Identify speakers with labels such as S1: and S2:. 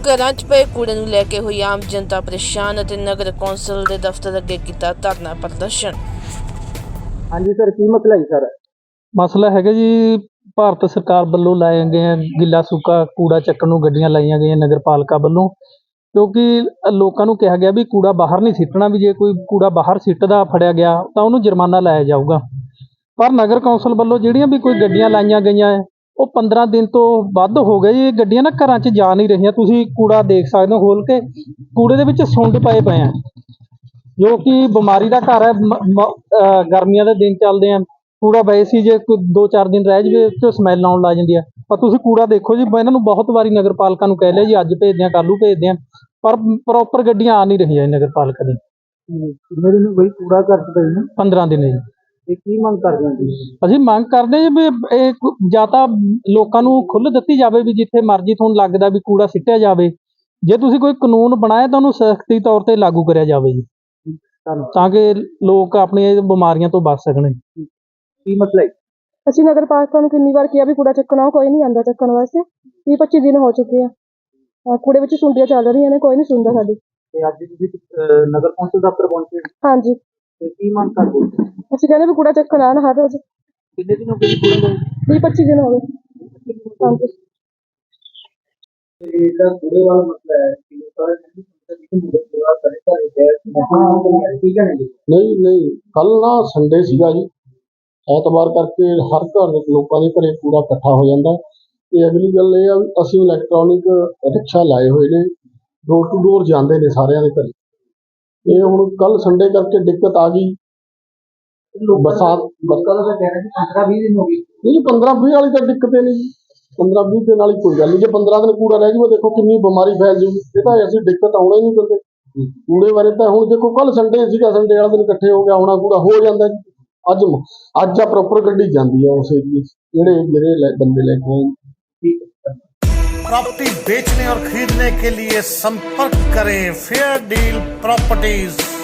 S1: ਘਰਾਂ 'ਚ ਪਏ ਕੂੜੇ ਨੂੰ ਲੈ ਕੇ ਹੋਈ ਆਮ ਜਨਤਾ ਪਰੇਸ਼ਾਨ ਅਤੇ ਨਗਰ ਕੌਂਸਲ ਦੇ ਦਫ਼ਤਰ ਅੱਗੇ ਕੀਤਾ ਧਰਨਾ ਪ੍ਰਦਰਸ਼ਨ।
S2: ਹਾਂਜੀ ਸਰ, ਕੀ ਮਸਲਾ ਹੈ ਸਰ?
S3: ਮਸਲਾ ਹੈਗਾ ਜੀ, ਭਾਰਤ ਸਰਕਾਰ ਵੱਲੋਂ ਲਾਏ ਗਏ ਗਿੱਲਾ ਸੁੱਕਾ ਕੂੜਾ ਚੱਕਣ ਨੂੰ ਗੱਡੀਆਂ ਲਾਈਆਂ ਗਈਆਂ ਨਗਰਪਾਲਿਕਾ ਵੱਲੋਂ, ਕਿਉਂਕਿ ਲੋਕਾਂ ਨੂੰ ਕਿਹਾ ਗਿਆ ਵੀ ਕੂੜਾ ਬਾਹਰ ਨਹੀਂ ਸਿੱਟਣਾ, ਵੀ ਜੇ ਕੋਈ ਕੂੜਾ ਬਾਹਰ ਸਿੱਟਦਾ ਫੜਿਆ ਗਿਆ ਤਾਂ ਉਹਨੂੰ ਜੁਰਮਾਨਾ ਲਾਇਆ ਜਾਊਗਾ। ਪਰ ਨਗਰ ਕੌਂਸਲ ਵੱਲੋਂ ਜਿਹੜੀਆਂ ਵੀ ਕੋਈ ਗੱਡੀਆਂ ਲਾਈਆਂ ਗਈਆਂ ਹੈ ਉਹ 15 ਦਿਨ ਤੋਂ ਵੱਧ ਹੋ ਗਏ ਜੀ। ਇਹ ਗੱਡੀਆਂ ਨਾ ਘਰਾਂ 'ਚ ਜਾ ਨਹੀਂ ਰਹੀਆਂ। ਤੁਸੀਂ ਕੂੜਾ ਦੇਖ ਸਕਦੇ ਹੋ ਖੋਲ ਕੇ, ਕੂੜੇ ਦੇ ਵਿੱਚ ਸੁੰਡ ਪਏ ਆ, ਜੋ ਕਿ ਬਿਮਾਰੀ ਦਾ ਘਰ ਹੈ। ਗਰਮੀਆਂ ਦੇ ਦਿਨ ਚੱਲਦੇ ਆ, ਕੂੜਾ ਵੈਸੇ ਜੇ ਕੋਈ 2-4 ਦਿਨ ਰਹਿ ਜਾਵੇ ਤੇ ਸਮੈਲ ਆਉਣ ਲੱਗ ਜਾਂਦੀ ਆ। ਪਰ ਤੁਸੀਂ ਕੂੜਾ ਦੇਖੋ ਜੀ, ਇਹਨਾਂ ਨੂੰ ਬਹੁਤ ਵਾਰੀ ਨਗਰਪਾਲਿਕਾ ਨੂੰ ਕਹਿ ਲਿਆ ਜੀ, ਅੱਜ ਭੇਜਦੇ ਆ, ਕੱਲ੍ਹ ਨੂੰ ਭੇਜਦੇ ਆ, ਪਰ ਪ੍ਰੋਪਰ ਗੱਡੀਆਂ ਆ ਨਹੀਂ ਰਹੀਆਂ ਨਗਰਪਾਲਿਕਾ ਦੀ।
S2: ਮੇਰੇ ਨੂੰ ਬਈ ਕੂੜਾ ਘਰ ਚ ਪਈ
S3: 15 ਦਿਨ ਜੀ।
S2: ਇਹ ਕੀ ਮੰਗ ਕਰਦੇ ਹੋ ਤੁਸੀਂ?
S3: ਅਸੀਂ ਮੰਗ ਕਰਦੇ ਜੀ ਵੀ ਇਹ ਜਾਂ ਤਾਂ ਲੋਕਾਂ ਨੂੰ ਖੁੱਲ੍ਹ ਦਿੱਤੀ ਜਾਵੇ ਵੀ ਜਿੱਥੇ ਮਰਜ਼ੀ ਤੁਹਾਨੂੰ ਲੱਗਦਾ ਵੀ ਕੂੜਾ ਸਿੱਟਿਆ ਜਾਵੇ। ਜੇ ਤੁਸੀਂ ਕੋਈ ਕਾਨੂੰਨ ਬਣਾਇਆ ਤਾਂ ਉਹਨੂੰ ਸਖਤੀ ਤੌਰ ਤੇ ਲਾਗੂ ਕਰਿਆ ਜਾਵੇ ਜੀ, ਤਾਂ ਕਿ ਲੋਕ ਆਪਣੀਆਂ ਬਿਮਾਰੀਆਂ ਤੋਂ ਬਚ ਸਕਣ।
S2: ਕੀ ਮਸਲਾ ਹੈ?
S4: ਅਸੀਂ ਨਗਰ ਪਾਲਿਕਾ ਨੂੰ ਕਿੰਨੀ ਵਾਰ ਕਿਹਾ ਵੀ ਕੂੜਾ ਚੱਕਣਾ, ਕੋਈ ਨਹੀਂ ਆਉਂਦਾ ਚੱਕਣ ਵਾਸਤੇ। 20-25 ਦਿਨ ਹੋ ਚੁੱਕੇ ਆ, ਕੂੜੇ ਵਿੱਚ ਸੁੰਡੀਆਂ ਚੱਲ ਰਹੀਆਂ ਨੇ, ਕੋਈ ਨਹੀਂ ਸੁਣਦਾ ਸਾਡੀ।
S2: ਤੇ ਅੱਜ ਤੁਸੀਂ ਨਗਰ ਕੌਂਸਲ ਦਫ਼ਤਰ ਪਹੁੰਚੇ,
S4: ਹਾਂਜੀ,
S2: ਤੇ ਕੀ ਮੰਗ ਕਰਦੇ ਹੋ?
S4: ਅਸੀਂ ਕਹਿੰਦੇ ਵੀ ਕੂੜਾ ਚੱਕਣ ਆਉਣ ਹਰ ਰੋਜ਼।
S2: ਕਿੰਨੇ ਦਿਨ ਹੋ ਗਏ ਕੂੜਾ ਨੂੰ?
S4: 20-25 ਦਿਨ ਹੋ ਗਏ। ਹਾਂਜੀ,
S2: ਤੇ ਇਹਦਾ ਕੂੜੇ ਵਾਲਾ ਮਸਲਾ ਹੈ ਕਿ ਲੋਕਾਂ ਨੇ ਕੂੜਾ ਕਰੇ ਘਰੇ ਗਏ ਠੀਕ ਹੈ ਜੀ।
S5: ਨਹੀਂ ਕੱਲ ਨਾ ਸੰਡੇ ਸੀਗਾ ਜੀ, ਐਤਵਾਰ ਕਰਕੇ ਹਰ ਘਰ ਲੋਕਾਂ ਦੇ ਘਰੇ ਕੂੜਾ ਇਕੱਠਾ ਹੋ ਜਾਂਦਾ। ਤੇ ਅਗਲੀ ਗੱਲ ਇਹ ਆ ਵੀ ਅਸੀਂ ਇਲੈਕਟ੍ਰੋਨਿਕ ਰਿਕਸ਼ਾ ਲਾਏ ਹੋਏ ਨੇ, ਡੋਰ ਟੂ ਡੋਰ ਜਾਂਦੇ ਨੇ ਸਾਰਿਆਂ ਦੇ ਘਰੇ। ਇਹ ਹੁਣ ਕੱਲ ਸੰਡੇ ਕਰਕੇ ਦਿੱਕਤ ਆ ਗਈ। ਬਰਸਾਤ
S2: ਲੋਕਾਂ ਦਾ ਕਹਿਣਾ ਕਿ 15-20 ਦਿਨ ਹੋ ਗਏ।
S5: ਨਹੀਂ, 15-20 ਵਾਲੀ ਤਾਂ ਦਿੱਕਤ ਹੀ ਨਹੀਂ ਜੀ। 15-20 ਦਿਨ ਵਾਲੀ ਕੋਈ ਗੱਲ ਨਹੀਂ। ਜੇ 15 ਦਿਨ ਕੂੜਾ ਰਹਿ ਜਾਊਗਾ, ਦੇਖੋ ਕਿੰਨੀ ਬਿਮਾਰੀ ਫੈਲ ਜਾਊਗੀ। ਇਹ ਤਾਂ ਅਸੀਂ ਦਿੱਕਤ ਆਉਣਾ ਹੀ ਨਹੀਂ ਦਿੰਦੇ ਕੂੜੇ ਬਾਰੇ। ਤਾਂ ਹੁਣ ਦੇਖੋ ਕੱਲ ਸੰਡੇ ਸੀਗਾ, ਸੰਡੇ ਵਾਲਾ ਦਿਨ ਇਕੱਠੇ ਹੋ ਗਿਆ ਹੋਣਾ, ਕੂੜਾ ਹੋ ਜਾਂਦਾ ਜੀ। ਅੱਜ ਆ ਪ੍ਰੋਪਰ ਗੱਡੀ ਜਾਂਦੀ है उस एरिए ਜਿਹੜੇ ਬੰਦੇ ਲੈ ਕੇ ਆਏ।
S6: प्रॉपर्टी बेचने और खरीदने के लिए संपर्क करें फेयर डील प्रॉपर्टीज।